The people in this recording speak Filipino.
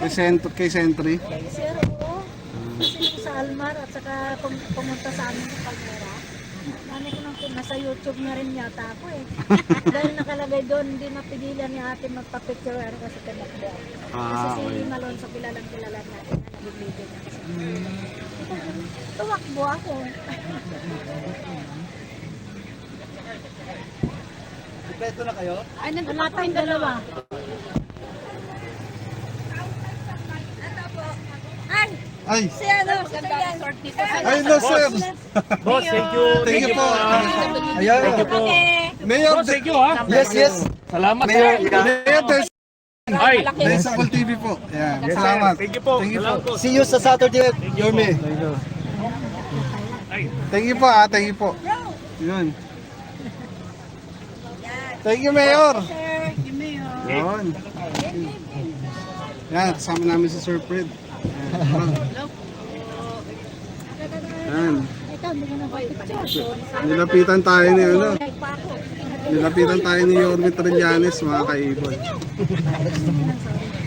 Kay Sentry. Sir, oo. Kasi nung sa Almar at saka pumunta sa amin sa Palmera. Ano ko nang nasa YouTube na rin yata ako eh. Dahil nakalagay doon, hindi napigilan ni ate magpa-picture kasi kanakbo. Kasi si Malonzo kilalang natin na nag-video niya. Tuwakbo ako. Kompleto na kayo? Ay, wala tayong dalawa. Ay, Si ano, si Tuyan. ay no sir. Boss, thank you. Thank you po. Ayan. Thank you po. Mayor, Boss, thank you ha. Yes, yes. Salamat. Mayor, Mayor Des Ay, Desakol TV po. Yan, salamat. thank you po. Thank you po. Salamat po. see you sa Saturday, Yorme. Thank you po thank you po. Yun. Thank you, Mayor. Yun. Yan, kasama namin si Sir Fred. Yan. Ito, hindi ko na picture. Nilapitan tayo ni ano. Nilapitan tayo ni Yorme Trillanes, mga kaibon.